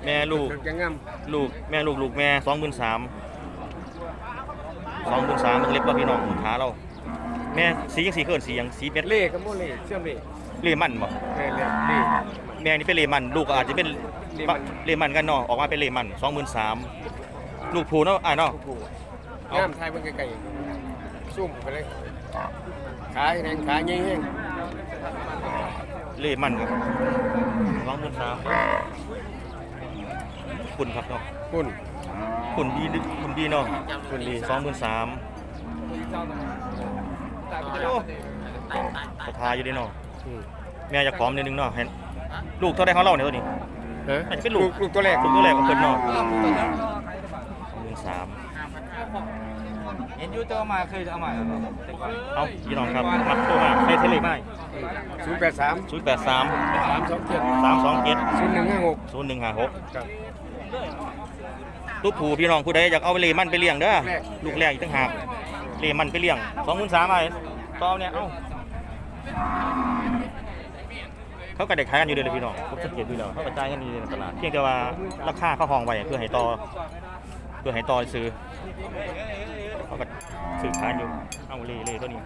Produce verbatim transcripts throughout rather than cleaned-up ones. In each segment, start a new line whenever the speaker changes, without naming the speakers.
แม่ลูกลูกแม่ลูกลูกแม่สองหมื่นสามสองหมื่นสามมึงเล็บว่าพี่น้องขาเราแม่สียังสีเขินสียังสีเป็ด
เล่กับโมเล่เชื่อมเล่
เล่มันบ่
เล่เล่เล่
แม่นี่เป็นเล่มันลูกอาจจะเป็นเล่มันกันเนาะออกมาเป็นเล่มันสองหมื่นสามลูกผูเนาะอ่าเนาะ
งามไทยมันไกลๆซุ่มไปเลยขาแห้งขาเงี้ยแห้ง
เล่มันครับสองหมื่นสามคุณครับเนาะ
คุณ
คุณดีคุณดีเนาะคุณดีสองหมื่นสามสถาอยู่ดีเนาะแม่จะพร้อมนิดนึงเนาะเห็นลูกเท่าไรเขาเล่าเนี่ยตัวนี้อาจจะเป็นลูก
ลูกตัวแรก
ลูกตัวแรกของคนเนาะสองหมื่นสาม
เห็นยูเตอร์มาเคยเอามา
เอาพี่น้องครับมัดตัวมาได้เทเลไม่
ศูนย์แปดสาม
ศูนย์แปดสาม
สามสองเจ็ด
สามสองเจ็ด
ศูนย์หนึ่งห้าหก
ศูนย์หนึ่งห้าหกลูกผูพี่น้องผู้ใดอยากเอาไปเลมันไปเลี้ยงเด้อลูกแรกอีกตั้งหากเลมันไปเลี้ยงสองหมื่นสามไอ้ต่อเนี่ยเอ้าเขากระเด็กขายกันอยู่เลยพี่น้องผมสังเกตดูแล้วเขากระจายกันอยู่ในตลาดเพียงแต่ว่าราคาเขาห้องไว้เพื่อให้ต่อเพื่อให้ต่อซื้อเขาก็ซื้อขายอยู่เอาเล่เล่ตัวนี้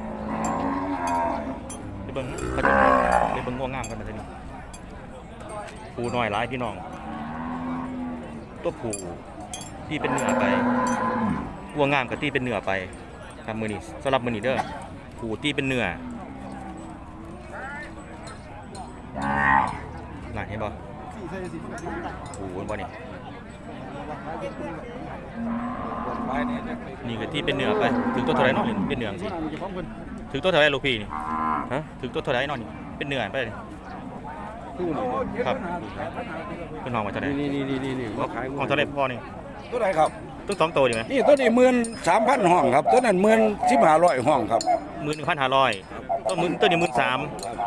ไปเบิ้งเขาจะไปเบิ้งง่วงงามกันมาทีนี้ผูน้อยหลายพี่น้องตัวผูที่เป็นเนื้อไปง่วงงามกับที่เป็นเนื้อไปทำมือนี้สำหรับมือนี้เด้อผูที่เป็นเนื้อไหนเห็นบ่ผูบ่นี่นี่ก็ที่เป็นเนื้อไปถึงตัวเท่าไรนอนเป็นเนื้อสิถึงตัวเท่าไรลูกพี่นี่ฮะถึงตัวเท่าไรนอนนี่เป็นเนื้อไปครับเป็นห้องมาเท่าไร
นี่นี่นี่นี่
ห้องเท่าไรพ่อนี่
ตัวไหนครับ
ตัวสองตัวดีไหม
นี่ตัวนี้หมื่นสามพันห้องครับตัวนั้นหมื่นสิบห้าร้อยห้องครับ
หมื่นหนึ่งพันห้าร้อยตัวหมื่นตัวนี้หมื่นสาม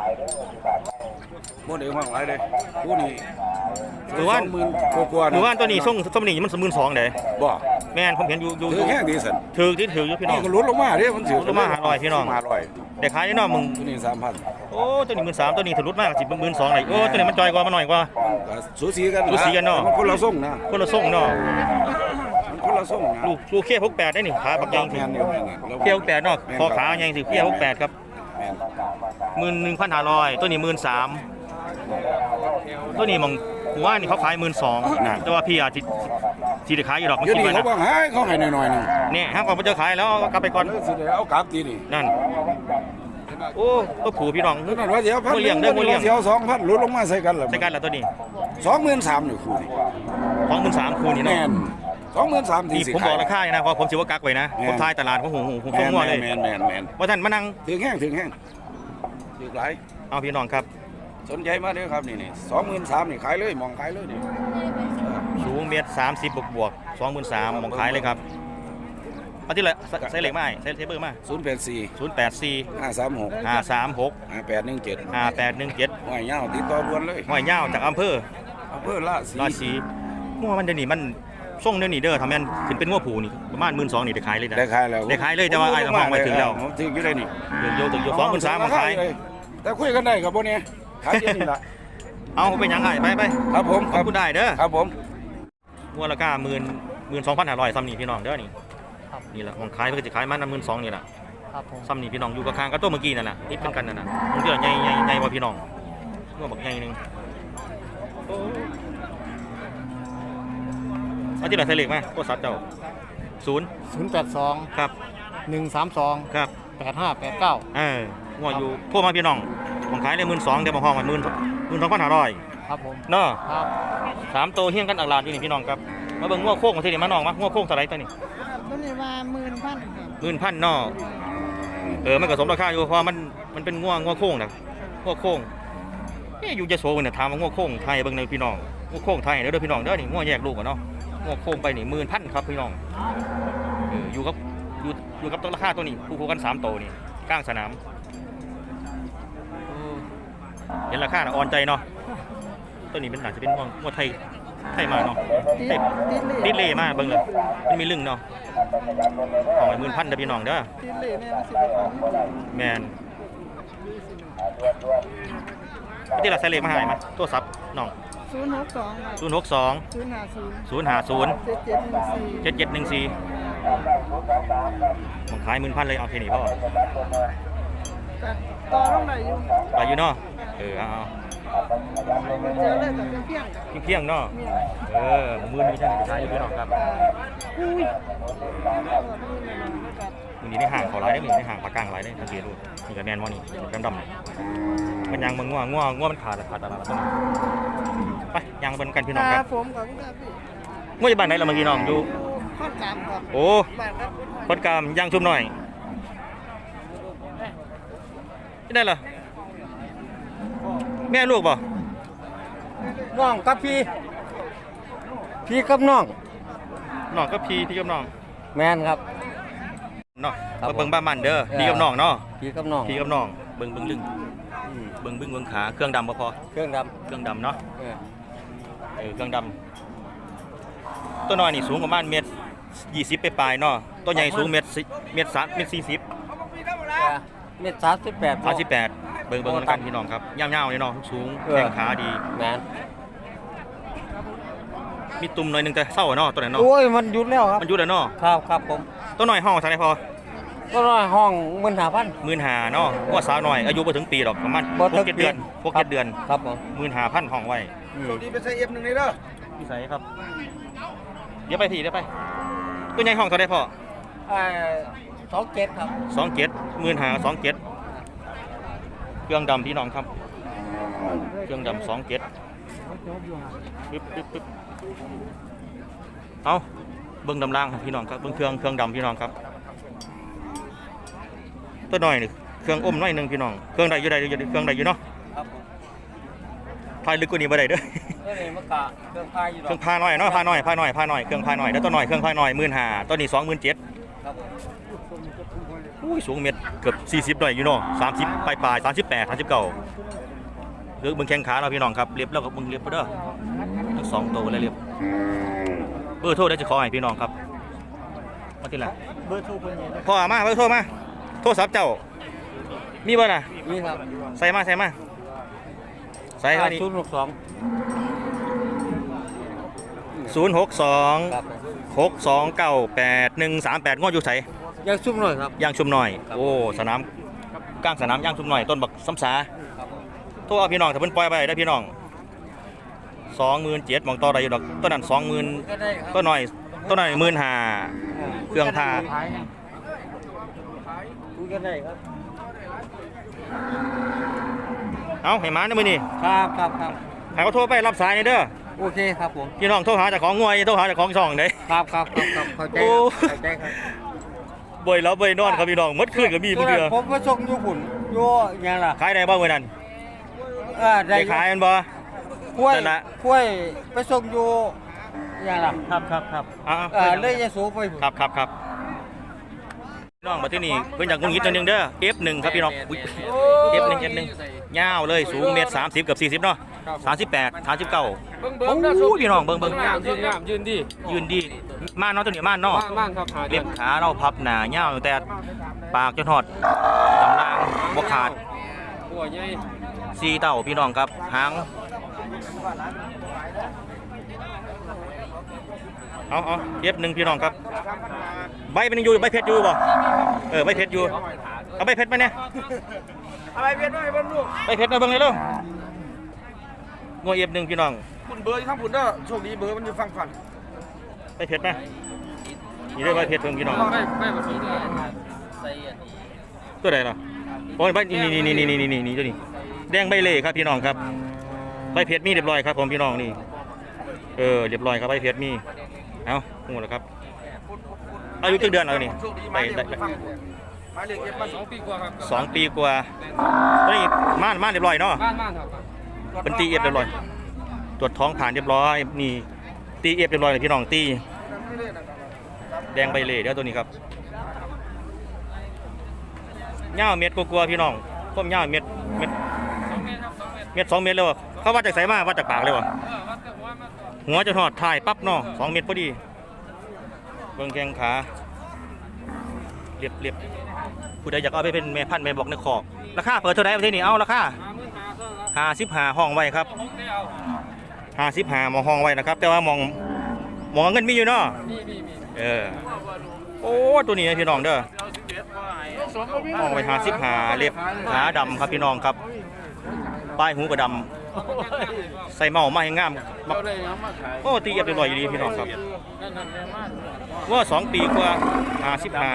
โมเดลห้องไรเลยผู้นี้
หรือว่า
หมื่นกว่า
หรือว่าตัวนี้ส่งสมนี้มันหมื่นสองเลย
บ่
แม่นผมเห็นอยู่อยู่
ถือแค่ดีสัน
ถือที่ถืออยู่พี่น้อง
ก็ลุ้นลงมาเนี่ยมันถือ
ลงมาห้าร้อยพี่น้อง
ห้าร้อย
แต่ขายนี่น้องมึง
ตัวนี้สามพัน
โอ้ตัวนี้หมื่นสามตัวนี้ถือลุ้นมากสิบหมื่นสองเลยโอ้ตัวนี้มันจอยกว่ามันหน่อยกว่า
สูสีกัน
สูสีกันเนาะ
คนละส่งนะ
คนละส่งเนาะ
คนละส่ง
ลูกลูกเขี้ยวหกแปดได้นี่ขาปักยังสิเขี้ยวหกแปดเนาะคอขายังสิเขี้ยวหกแปดครับหมื่นหนึ่งพันห้าร้อยตัวนี้หมื่นสามตัวนี้มองผมว่านี่เขาขายหมื่นสองแต่ว่าพี่อาจจะที่จะขายอยู่หรอกมันคิดว่านะ
เขาบอกให้เขาขายหน่อยๆนึง
เนี่ยห้างก่อนมันจะขายแล้วกลับไปก่อน
เอากลับทีนี่
นั่นโอ้ตัวผูพี่น้อง
นั่นว่าเดี๋ยวพันเลี้ยงได้เดี๋ยวสองพันลดลงมาใส่กันเหรอ
ใส่กันแล้วตัวนี้
สองหมื่นสามอยู่คู่นี่
สองหมื่นสามคู่นี่เนาะ
สองหมื่นสามที
ผมบอกราคานะเพราะผมชิวกักไว้นะผมทายตลาดของหูหูผมต้องง่วงเลย
แมนแมนแมน
ว่าท่านมานั่ง
ถึงแห้งถึงแห้งถึงไร
เอาพี่น้องครับ
สนใจมาด้วยครับนี่นี่สองหมื่นสามนี่ขายเลยมองขายเลยนี่
สูงเมตรสามสิบบวกบวกสองหมื่นสามมองขายเลยครับเอาที่ละใส่เหล็กมาใส่เทเบอร์มา
ศูนย์แปดสี่
ศูนย์แปดสี่
ห้าสามหก
ห้าสามหก
ห้าแปดหนึ่งเจ็ด
ห้าแปดหนึ่งเจ็ด
ห้อยเงาติดต่อด่วนเลย
ห้อยเงาจากอำเภอ
อำเภอละสี
ละสีงัวมันเดี๋ยวนี้มันส่งเดี๋ยวนี้เด้อทำแม่นขึ้นเป็นงัวผูนี่ประมาณหมื่นสองนี่ได้ขายเลยนะ
ได้ขายแล้ว
ได้ขายเลยแต่ว่าไอ้ห้องไว้ถึงแล้ว
ถึงอยู่ได้นี่
ถึงโยถึงโยสองหมื่นสามมาขาย
แต่คุยกันได้ครับพวกนี้ขายนี่แหละ
เอาไปยังไงไปไป
ครับผม
ขอบคุณได้เด้อ
ครับผม
งัวราคาหมื่นหมื่นสองพันห้าร้อยซ้ำนี่พี่น้องเด้อนี่นี่แหละของขายเพื่อจะขายมันหมื่นสองนี่แหละซ้ำนี่พี่น้องอยู่กับคางกับตัวเมื่อกี้นั่นแหละนี่เป็นกันนั่นน่ะมันเดี๋ยวใหญ่ใหญ่ใหญ่กว่าพี่น้องงัวบักใหญ่นึงเอาที่ไหนใส่เหล็กไหมโคตรซับเจ้าศูนย์
ศูนย์แปดสอง
ครับ
หนึ่งสามสอง
ครับ
แปดห้าแปดเก้า
เอองัวอยู่พวกมาพี่น้องของขายได้หมื่นสองเดี๋ยวมาห้องมันหมื่นหมื่นสองพันห้าร้อย
ครับผม
เนาะสามตัวเฮี้ยงกันอักลานอยู่นี่พี่น้องครับมาเบิ่งงัวโค้งมาที่นี่มาน้องมางัวโค้งเท่าไรตัวนี้
ตัวนี้ว่าหมื่นพัน
หมื่นพันเนาะเออมันก็สมราคาอยู่เพราะมันมันเป็นงัวงัวโค้งนะงัวโค้งนี่อยู่จะโซ่เนี่ยถามว่างัวโค้งไทยเบิ่งในพี่น้องงัวโค้งไทยเด้อพี่น้องเด้อนี่งัวแยกลูกกันเนาะงัวโค้งไปนี่หมื่นพันครับพี่น้องอยู่กับอยู่อยู่กับตัวราคาตัวนี้คู่กันสามตัวนี่กลางสนามเห็นราคาอ่อนใจเนาะตัวนี้เป็นหนาจะเป็นงัวไทยไทยมาเนาะติดเล่มากเบิ่งเลยมันมีลึงเนาะของไอ้หมื่นพันเด้อพี่น้องเด้อแมนที่เราใส่เล็กมาหายมาตัวซับน้อง
ศูนย์หกสอง
ศูนย์หกสอง
ศูนย์ห้าศูนย์
ศูนย์ห้าศูนย์
เจ็ดเจ็ดหนึ่งสี่
เจ็ดเจ็ดหนึ่งสี่มันขายหมื่นพันเลยเอาแค่นี้พ่อ
ก็ต่อลงไหนอยู่
ไปอยู่เนาะเออเอา
เจอเลยกับเพียง
เพียงๆเนาะ
ๆเนี่ย
เออมือนี้ใช่ไหมขายอยู่พี่น้องครับ
อุ้ย
มือนี้ในห่างเขาหลายได้มือนี้ในห่างปากกลางหลายได้สังเกตดูนี่กับแมนมอนี่ดำดำมันยังมันง่วงง่วงง่วงมันขาดขาดตลาดไปยังเป็นกันพี่น้องครับ
ผมกับพี่พี่
ง่วงอยู่บ้านไหนเราเมื่อกี้น้องอยู่
ข้อนกามครับ
โอ้
บ้านครับ
คนกามย่างชุ่มหน่อยไม่ได้เหรอแม่ลูกบ่
น้องกับพี่พี่กับน้อง
น้องก็พี่พี่กับน้อง
แมนครับ
เนาะ
ครับ
มาเบิ่งบ้านมันเด้อ
เออ
พี่กับน้องเนาะ
พี่กับน้อง
พี่กับน้องเบิ่งเบิ่งลึง
อืม
เบิ่งเบิ่งเบิ่งขาเครื่องดำบ่พอ
เครื่องด
เครื่องดำเนาะ
ำเออ
เออเครื่องดำตัวน้อยนี่สูงประมาณเมตรยี่สิบไปปลายๆเนาะตัวใหญ่สูงเมตรสิเมตรสามเมตรสี่สิบ
เม็ดสามสิบแปด
สามสิบแปดเบิ่งเบิ่งกันพี่น้องครับย่ำๆเลยเนาะสูง
เออ
แข้งขาดี
แมน
มีตุ่มหน่อยหนึงแต่เศร้าอะเนาะตัวนั้นเนาะ
โอ้ยมันหยุดแล้วครับ
มันอยู่แล้วเนาะ
ครับครับผม
ตัวน้อยห้องเท่าไหร่พอ
ก็น้อยห้องมันหาพัน
หมื่นหาเนาะว่าสาวน้อยอายุบ่ถึงปีหรอกประมาณ
บ่
ห
ถึ
ก
ง
เจ็ด
ปี
เดือนหกเจ็ดเดือน
ครับผม
หมื่นหาพันห้องไว้
อืม
ดีไปใส่เอฟหนึ่งนี่เด้อ
พี่ใส่ครับเดี๋ยวไปพี่เดี๋ยวไปตัวใหญ่ห้องเท่าไหร่พอ
เอ่อสองเจ็ดครับ
สองเจ็ดหมื่นหาสองเจ็ดเครื่องดำพี่น้องครับเครื่องดำสองเจ็ดปึ๊บปึ๊บปึ๊บเอาเบิ้งดำล่างครับพี่น้องครับเบิ้งเครื่องเครื่องดำพี่น้องครับตัวน้อยนี่เครื่องอมน้อยหนึงพี่น้องเครื่องใดอยู่ใดอยู่เครื่องใดอยู่เนาะ
ครับผม
พายลึกกว่านี้บ่ได้เด้อ
เอ้ยมะกะเครื่องพายอยู่ด
เค
อ
รื่อก งพาน้อยเนาะพาน้อยพาน้อยพาน้อยเครื่องพาน้อยแล้วตัวน้อยเครื่องพาน้อยหมื่นห้าตัวนี้สองหมื่นเจ็ด
ครับผม
อุ้ยสูงเมตรเกือบสี่สิบหน่อยอยู่เนาะสามสิบปลายปลายสามสิบแปดสามสิบเก้าเลือกเบิ้งแข้งขาเราพี่น้องครับเรียบแล้วกับมึงเรียบไปเด้อทั้งสองตัวเลยเรียบเบอร์โทรได้จะขอให้พี่น้องครับมาที่ไหน
เบอร์โทรคนนี้
พ่อมาเบอร์โทรมาโทรศัพท์เจ้ามีบ่น่ะ
นี่ครับ
ใส่มาใส่มาใส่มานี่
ศูนย์หกสอง
ศูนย์หกสอง
ครับ
หกสองเก้าแปดหนึ่งสามแปดงออยู่ใส่
ยังซุ่มหน่อยครับ
ย่างชุมหน่อย
ครับ
โอ้สนามกลางสนามย่างชุมหน่อยต้นบักซ้ำสา
ครับผม
โทรเอาพี่น้องถ้าเพิ่นปล่อยไปได้พี่น้องสองหมื่นเจ็ดมองต่อได้อยู่ดอกต้นนั้นสองหมื่น
ก็ได้ครับ
ต้นหน่อยต้นหน่อยหมื่นห้าเครื่องพา
คุยกันได้ครับ
เอาให้มาในมือนี่
ครับครับครับ
ให้เขาโทรไปรับสายนี่เด้อ
โอเคครับผม
พี่น้องโทรหาเจากของงวยโทรหาเจากของช่องเด้
ครับครับครับครับเข้าใจ
โอ้
เข้าใจครับ
บ่อยแล้วบ่อยนอนครับพี่น้องหมดคืนก็มีบางเดือ
ผมมาส่งอยู่หุ่นอยู่ยังล่ะ
ขายได้บ่มื้อนั้น
เออได้
ได้ขายมันบ่
กล้วย
นั่นล่ะ
กล้วยไปส่งอยู่ยังล่ะ
ครับครับครับอ่า
เออเลยจะสูงไปหุ่น
ครับครับครับพี่น้องมาที่นี่เพิ่นอยากงุนงิดจังนึงเด้อ เอฟ หนึ่งครับพี่น้องอุ๊ย เอฟ หนึ่ง เอฟ หนึ่งยาวเลยสูงเมตรสามสิบกับสี่สิบเนาะสามสิบแปดสามสิบเก้า
เบิ้ง
โอ้
เบิ้งนะ
ยพี่น้องเบิ่งเบิ่ง
งามยืนงามยืนดี
ยืนดีม่านเนาะตัวนี้ม่านเนาะ
มากมากครับหาเดื
เล็
อบ น
ขาเราพับหนาเงาวแต่ปากจนหอดตำรางบ่ขาด
หัวใหญ่
สีเต่าพี่น้องครับหางเอาเอาเย็บหนึ่งพี่น้องครับใบเป็นยังอยู่ใบเพชรอยู่บ่เออใบเพชรอยู่เอาใบเพชรมาเนี่ย
อะไรเวียนด้วยเบิ้งลูก
ใบเพชรมาเบิ่งเลยเด้องัวเย็บหนึ่งพี่น้อง
คุณเบอร์ข้างคุณเด้อโชคดีเบอร์มันอยู่ฝั่งฝัน
ใบเพชรมานี่เด้อใบเพชรเพิ่งพี่น้อง
ได้ได้มาสีเลย
ตัวไหนล่ะโอ้ยใบนี่นี่นี่นี่นี่นี่นี่ตัวนี้แดงใบเล่ครับพี่น้องครับใบเพชรมีเรียบร้อยครับผมพี่น้องนี่เออเรียบร้อยครับใบเพชรมีเอาหมดแล้วครับอายุกี่เดือนแล้วนี่
โชคดี
ไป
มา
ได้
ได้ฟังหมายเลขเอฟมาสองปีกว่าครับ
สองปีกว่าตัวนี้ม่านม่านเรียบร้อยเนาะ
บ้านบ้านครับ
เป็นตีเอฟเรียบร้อยตรวจท้องผ่านเรียบร้อยนี่ตีเอฟเรียบร้อยเลยพี่น้องตีแดงใบเล่เดี๋ยวตัวนี้ครับเงาเม็ดกลัวๆพี่น้องก้มเงาเม็ดเม็ด
สองเมตรครับสองเมตร
เม็ดสองเม็ดเลยวะเขาวัดจากไสมาวัดจากปากเลยวะ
เออวัดแต่หัวมา
หัวจะทอดถ่ายปั๊บเนาะสองเม็ดพอดีเบิ่งแข้งขาเรียบเรียบผู้ใดอยากเอาไปเป็นแม่พันธุ์แม่บอกในคอกราคาเปิดเท่าไหร่ประเทศนี้เอาราคา
หาหมื่นหาเท่าไหร่
ห้าสิบห้าห้องไว้ครับ
หกได้เอา
ห้าสิบห้ามองห้องไว้นะครับ แต่ว่ามองมองเงินมีอยู่เนาะ
มีมีมี
เออโอ้ตัวนี้นะพี่น้องเด้อมองไปห้าสิบห้าเล็บขาดำครับพี่น้องครับปลายหูก็ดำใส่เมามาให้งามบักโอ้ตีเอียบเรียบร้อยอยู่ดีพี่น้องครับว่าสองปีกว่าห้าสิบห้า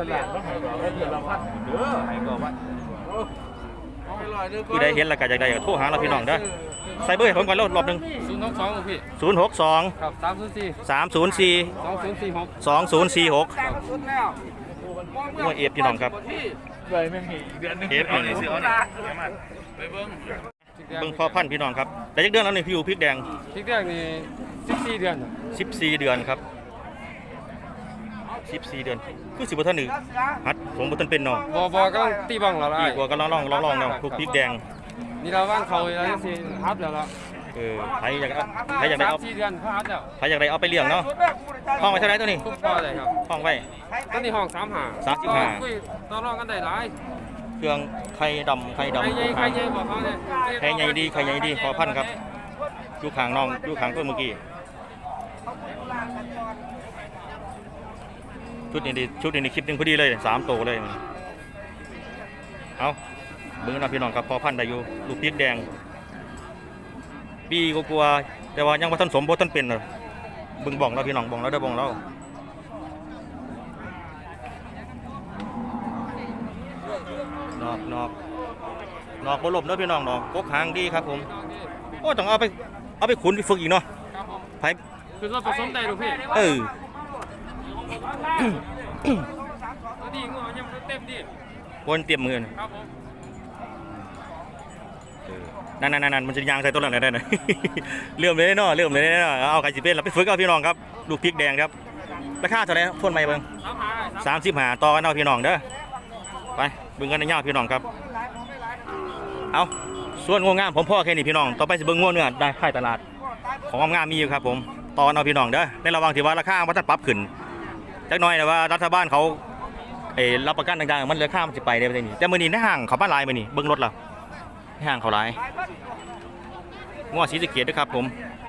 คือได้เห็นแล้วก็อยากได้ก็โทรหาเราพี่น้องเด้อใส่เบอร์ให้ผมก่อนแล้วรอบหนึ่ง
ศูนย์หกสองพี่
ศูนย์หกสอง
ครับสามศูนย์สี่
สามศูนย์สี่
สองศูนย์สี่หก
สองศูนย์สี่หก
สุดแล้ว
ว่าเอฟพี่น้องครับ
เลยไม่มีเดือนนึง
เอฟเอาเนี่ยซื้อเอาเนี่ยเบิ่งพ่อพันธุ์พี่น้องครับแต่ยักเดือนแล้วนี่พี่อูพริกแดง
พริกแดงนี่สิบสี่เดือน
สิบสี่เดือนครับสิบสี่เดือนคือสิบบ่ทันหนึ่งฮัดผมบ่ทันเป็นเนาะ
บอบอก็ตีบังเราละ
อีกว่าก็ลองลองลองลองเนาะพวกพริกแดง
นี่เราว่างเขาแล้วสิฮับแล้วละ
เออใครอยากเอาใครอยากได้เอา
สี่เดือนเขาฮับแล้ว
ใครอยากได้เอาไปเลี้ยงเนาะห้องไว้เท่าไหร่ตัวนี้
ทุกพอเลยครับ
ห้องไว้
ต้นนี้ห้องสามหา
สามสิบห้า
คุยต่อรองกันได้หลาย
เครื่องไข่ดำไข่
ใคร
ดำ
ใหญ่ใครใหญ่บอกเขาเลย
ไข่ใหญ่ดีไข่ใหญ่ดีพ่อพันธุ์ครับอยู่ข้างน้องอยู่ข้างต้นเมื่อกี้ชุดนี้ดีชุดนี้คลิปหนึงพอดีเลยสามโตวเลยเอาเบิ่งนะพี่น้องครับพ่อพันธุ์ได้อยู่ลูกพริกแดงปีก็กลัวๆแต่ว่ายังบ่ทันสมบ่ทันเป็นเลยเบิ่งบ้องเราพี่น้องบ้องเราเด้อบ้องเรานอกนอกนอกบ่ลมเด้อพี่น้องนอกกกหางดีครับผมโอ้ต้องเอาไปเอาไปขุนไปฝึกอีกเนาะ
ครับผม
ไผ
คือว่าผสมได้หรือพี่
เออ
ตัวนี้งอยังเต็มดิ
วนเตรียมมือน่ะ
ครับผม
เออนั่นนั่นนั่นมันจะยางใส่ต้นหลังได้ไหน เริ่มเลยเนาะเริ่มเลยเนาะเอาไก่สิเป็นเราไปฝึกเอาพี่น้องครับลูกพริกแดงครับราคาเท่าไหร่ทวนไหมเบิ่ง
สามหาได้
สามสิบห้าต่อกันเอาพี่น้องเด้อไปเบิ่งกันในยาวพี่น้องครับเอาส่วนงวงงามผมพ่อแค่นี้พี่น้องต่อไปสิเบิ่งงวเนื้อได้ขายตลาดของงามๆมีอยู่ครับผมต่อกันเอาพี่น้องเด้อในระหว่างที่ว่าราคามันจะปรับขึ้นจักหน่อยแต่ว่ารัฐบาลเขาเอ้รับประกันต่างๆมันราคามันสิไปได้บ่ได้นี่แต่มื้อนี้ในห้างเขาบ้านหลายมื้อนี้เบิ่งรถแล้วในห้างเขาหลายงัวศรีสะเกษด้วยครับผม